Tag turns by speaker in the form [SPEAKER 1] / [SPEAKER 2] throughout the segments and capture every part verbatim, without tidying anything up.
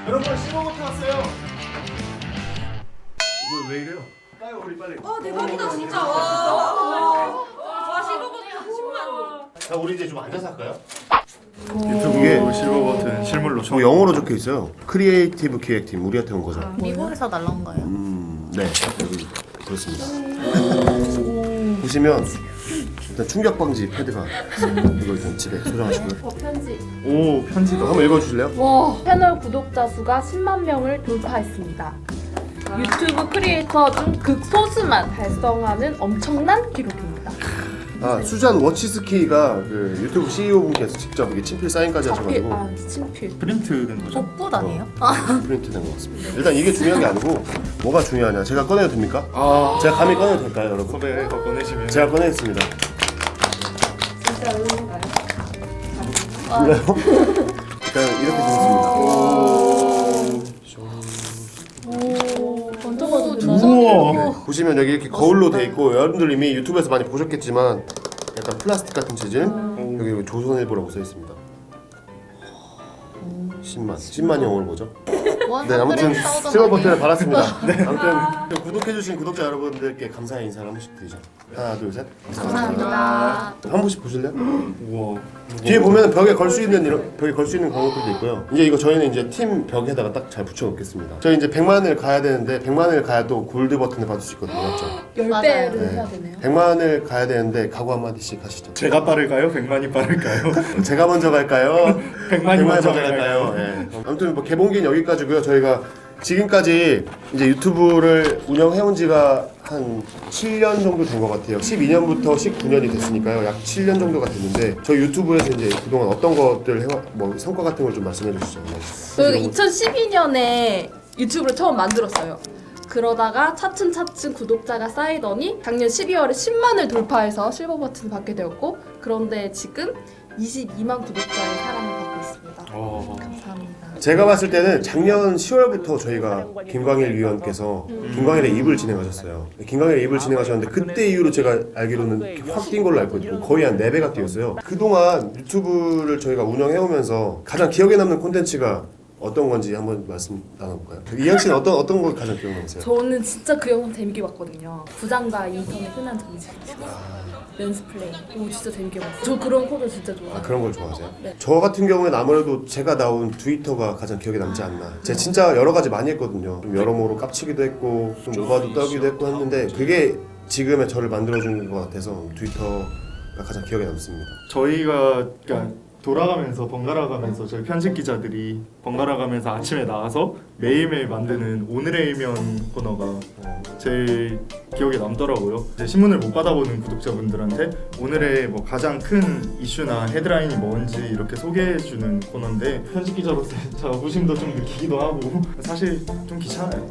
[SPEAKER 1] 여러분 씹어부터 왔어요. 왜, 왜 이래요? 까요 우리 빨리.
[SPEAKER 2] 와 대박이다 진짜. 와 실버버튼 십만.
[SPEAKER 1] 자 우리 이제 좀 앉아서 할까요?
[SPEAKER 3] 유튜브 실버 버튼 실물로
[SPEAKER 1] 저 영어로 적혀 있어요. 크리에이티브 기획팀 우리한테 온 거죠.
[SPEAKER 4] 미국에서 날라온 거예요?
[SPEAKER 1] 음, 네 여기 그렇습니다. 보시면 일단 충격 방지 패드가 이거 좀 집에 소장하시고요.
[SPEAKER 5] 어, 편지.
[SPEAKER 3] 오 편지도
[SPEAKER 1] 한번 읽어주실래요?
[SPEAKER 5] 와, 채널 구독자 수가 십만 명을 돌파했습니다. 유튜브 크리에이터 중 극소수만 달성하는 엄청난 기록입니다.
[SPEAKER 1] 아 수잔 워치스키가 그 유튜브 씨이오 분께서 직접 이게 친필 사인까지 하셔가지고
[SPEAKER 5] 아, 친필.
[SPEAKER 3] 프린트 된 거죠?
[SPEAKER 4] 복붙 아니에요?
[SPEAKER 1] 프린트 된 것 같습니다. 일단 이게 중요한 게 아니고 뭐가 중요하냐? 제가 꺼내도 됩니까?
[SPEAKER 3] 아
[SPEAKER 1] 제가 감히 꺼내도 될까요, 여러분?
[SPEAKER 3] 섭외 더 꺼내시면
[SPEAKER 1] 제가 꺼내겠습니다.
[SPEAKER 5] 진짜 의미인가요?
[SPEAKER 1] 몰라요? 일단 이렇게 생겼습니다.
[SPEAKER 5] 먼저 봐도 되나요?
[SPEAKER 3] 우와
[SPEAKER 1] 네, 보시면 여기 이렇게 거울로 돼 있고 여러분들 이미 유튜브에서 많이 보셨겠지만 약간 플라스틱 같은 재질 여기 조선일보라고 써 있습니다. 십만 십만 영어를 보죠. 네 아무튼 실버 버튼을 받았습니다. 네 아무튼 구독해주신 구독자 여러분들께 감사의 인사를 한 번씩 드리죠. 하나 둘 셋.
[SPEAKER 4] 감사합니다.
[SPEAKER 1] 한 번씩 보실래요?
[SPEAKER 3] 우와
[SPEAKER 1] 뒤에 보면 벽에 걸 수 있는 이런 벽에 걸 수 있는 광고들도 있고요. 이제 이거 저희는 이제 팀 벽에다가 딱 잘 붙여 놓겠습니다. 저희 이제 백만을 가야 되는데 백만을 가야 또 골드 버튼을 받을 수 있거든요. 맞죠?
[SPEAKER 5] 열
[SPEAKER 4] 맞아요.
[SPEAKER 5] 배를
[SPEAKER 1] 네.
[SPEAKER 5] 해야 되네요.
[SPEAKER 1] 백만을 가야 되는데 각오 한 마디씩 하시죠.
[SPEAKER 3] 제가 빠를까요? 백만이 빠를까요?
[SPEAKER 1] 제가 먼저 갈까요?
[SPEAKER 3] 백만이 먼저 갈까요?
[SPEAKER 1] 예. 아무튼 뭐 개봉기는 여기까지고요. 저희가 지금까지 이제 유튜브를 운영해온 지가 한 칠 년 정도 된 것 같아요. 십이 년부터 십구 년이 됐으니까요. 약 칠 년 정도가 됐는데 저희 유튜브에서 이제 그동안 어떤 것들 해와 뭐 성과 같은 걸 좀 말씀해 주시죠.
[SPEAKER 2] 저희가 이천십이 년에 유튜브를 처음 만들었어요. 그러다가 차츰차츰 구독자가 쌓이더니 작년 십이월에 십만을 돌파해서 실버 버튼을 받게 되었고 그런데 지금 이십이만 구독자의 사랑을 받고 있습니다.
[SPEAKER 3] 어.
[SPEAKER 2] 감사합니다.
[SPEAKER 1] 제가 봤을 때는 작년 시월부터 저희가 김광일 위원께서 김광일의 입을 진행하셨어요. 김광일의 입을 진행하셨는데 그때 이후로 제가 알기로는 확 뛴 걸로 알고 있고 거의 한 네 배가 뛰었어요. 그동안 유튜브를 저희가 운영해오면서 가장 기억에 남는 콘텐츠가 어떤 건지 한번 말씀 나눠볼까요? 이현 씨는 어떤 어떤 거 가장 기억 남으세요?
[SPEAKER 2] 저는 진짜 그 영상 재밌게 봤거든요. 부장과 인턴의 흔한 정치. 연습 플레이. 오 진짜 재밌게 봤어요. 저 그런 코드 진짜 좋아해요.
[SPEAKER 1] 아 그런 걸 좋아하세요?
[SPEAKER 2] 네.
[SPEAKER 1] 저 같은 경우에는 아무래도 제가 나온 트위터가 가장 기억에 남지 않나. 제가 진짜 여러 가지 많이 했거든요. 좀 여러모로 깝치기도 했고 좀 오바도 떨기도 했고 했는데 그게 지금의 저를 만들어준 것 같아서 트위터가 가장 기억에 남습니다.
[SPEAKER 3] 저희가 그러니까 돌아가면서 번갈아 가면서 저희 편집 기자들이 번갈아 가면서 아침에 나와서 매일매일 만드는 오늘의 일면 코너가 제일 기억에 남더라고요. 이제 신문을 못 받아보는 구독자분들한테 오늘의 뭐 가장 큰 이슈나 헤드라인이 뭔지 이렇게 소개해주는 코너인데 편집 기자로서 자부심도 좀 느끼기도 하고 사실 좀 귀찮아요.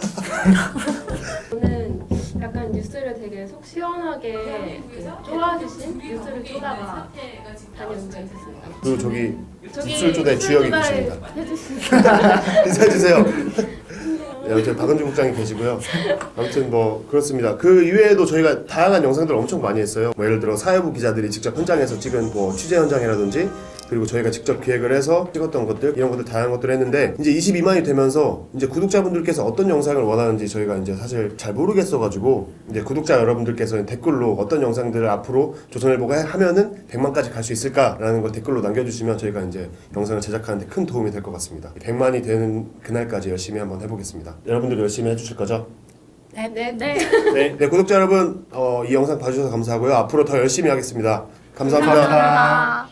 [SPEAKER 6] 저는 약간 뉴스를 되게 속 시원하게 그 쪼아주신 뉴스를 쪼다가 다녀온 적이 있었습니다.
[SPEAKER 1] 그리고 저기
[SPEAKER 6] 저기
[SPEAKER 1] 입술 조대 주역이 계십니다.
[SPEAKER 6] 해주십니다.
[SPEAKER 1] 인사해주세요. 네, 아무튼 박은주 국장이 계시고요. 아무튼 뭐 그렇습니다. 그 이외에도 저희가 다양한 영상들을 엄청 많이 했어요. 뭐 예를 들어 사회부 기자들이 직접 현장에서 찍은 뭐 취재 현장이라든지 그리고 저희가 직접 기획을 해서 찍었던 것들 이런 것들 다양한 것들을 했는데 이제 이십이만이 되면서 이제 구독자분들께서 어떤 영상을 원하는지 저희가 이제 사실 잘 모르겠어가지고 이제 구독자 여러분들께서 댓글로 어떤 영상들을 앞으로 조선일보가 하면은 백만까지 갈 수 있을까라는 걸 댓글로 남겨주시면 저희가 이제 영상을 제작하는데 큰 도움이 될 것 같습니다. 백만이 되는 그날까지 열심히 한번 해보겠습니다. 여러분들 열심히 해주실 거죠?
[SPEAKER 6] 네, 네. 네.
[SPEAKER 1] 네, 네 구독자 여러분 어, 이 영상 봐주셔서 감사하고요. 앞으로 더 열심히 하겠습니다. 감사합니다.
[SPEAKER 4] 감사합니다.